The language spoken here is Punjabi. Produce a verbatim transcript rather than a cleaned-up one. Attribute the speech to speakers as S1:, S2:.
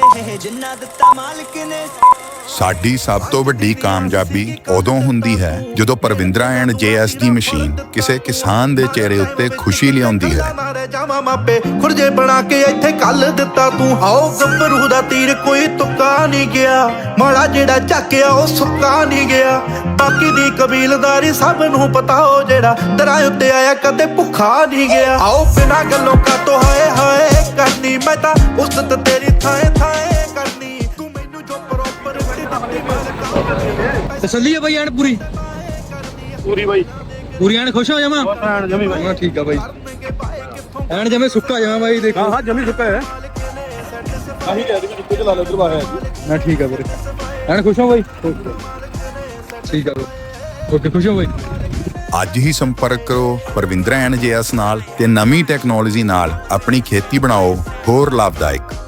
S1: ਜਿੰਨਾ ਦਿੱਤਾ ਮਾਲਕ ਨੇ।
S2: ਸਾਡੀ ਸਭ ਤੋਂ ਵੱਡੀ ਕਾਮਯਾਬੀ ਉਦੋਂ ਹੁੰਦੀ ਹੈ ਜਦੋਂ ਪਰਵਿੰਦਰਾ ਐਂਡ ਜੇ ਐਸ ਦੀ ਮਸ਼ੀਨ ਕਿਸੇ ਕਿਸਾਨ ਦੇ ਚਿਹਰੇ ਉੱਤੇ ਖੁਸ਼ੀ ਲਿਆਉਂਦੀ ਹੈ।
S3: ਜਾਵਾਂ ਮਾਪੇ ਖੁਰਜੇ ਬਣਾ ਕੇ ਇੱਥੇ ਕੱਲ ਦਿੱਤਾ ਤੂੰ। ਆਓ ਗੱਭਰੂ ਦਾ ਤੀਰ ਕੋਈ ਤੁੱਕਾ ਨਹੀਂ ਗਿਆ, ਮਾੜਾ ਜਿਹੜਾ ਚੱਕਿਆ ਉਹ ਸੁੱਕਾ ਨਹੀਂ ਗਿਆ। ਬਾਕੀ ਦੀ ਕਬੀਲਦਾਰੀ ਸਭ ਨੂੰ ਪਤਾ ਹੋ, ਜਿਹੜਾ ਦਰਾਂ ਉੱਤੇ ਆਇਆ ਕਦੇ ਭੁੱਖਾ ਨਹੀਂ ਗਿਆ। ਆਓ ਬਿਨਾਂ ਗੱਲੋਂ ਕਾਤੋਂ ਹਾਏ ਹਾਏ ਕਰਨੀ, ਮੈਂ ਤਾਂ ਉਸਤ ਤੇਰੀ ਥਾਏ ਥਾਏ ਕਰਨੀ। ਤੂੰ ਮੈਨੂੰ ਜੋ ਪ੍ਰੋਪਰ
S4: ਤਸੱਲੀ ਹੈ ਬਾਈ ਐਨ ਪੂਰੀ
S5: ਪੂਰੀ ਬਾਈ
S4: ਪੂਰੀ ਐਨ ਖੁਸ਼ ਹੋ ਜਾਵਾਂ।
S5: ਐਨ ਜਮੀ ਬਾਈ
S4: ਹਾਂ ਠੀਕ ਆ ਬਾਈ, ਐਨ ਜਮੇ ਸੁੱਕਾ ਜਾਵਾਂ ਬਾਈ। ਦੇਖੋ
S5: ਹਾਂ ਹਾਂ ਜਮੀ ਸੁੱਕਾ ਹੈ। ਆਹੀ ਕਹਿ ਰਹੀ ਕਿ ਚਲਾ ਲੈ ਉਧਰ ਬਾਹਰ
S4: ਮੈਂ ਠੀਕ ਆ ਵੀਰੇ, ਐਨ ਖੁਸ਼ ਹੋ ਬਾਈ। ਠੀਕ ਆ ਓਕੇ, ਖੁਸ਼ ਹੋ ਬਾਈ।
S2: ਅੱਜ ਹੀ ਸੰਪਰਕ ਕਰੋ ਪਰਵਿੰਦਰਾ ਐਂਡ ਜੇ ਐਸ ਨਾਲ ਤੇ ਨਵੀਂ ਟੈਕਨੋਲੋਜੀ ਨਾਲ ਆਪਣੀ ਖੇਤੀ ਬਣਾਓ ਹੋਰ ਲਾਭਦਾਇਕ।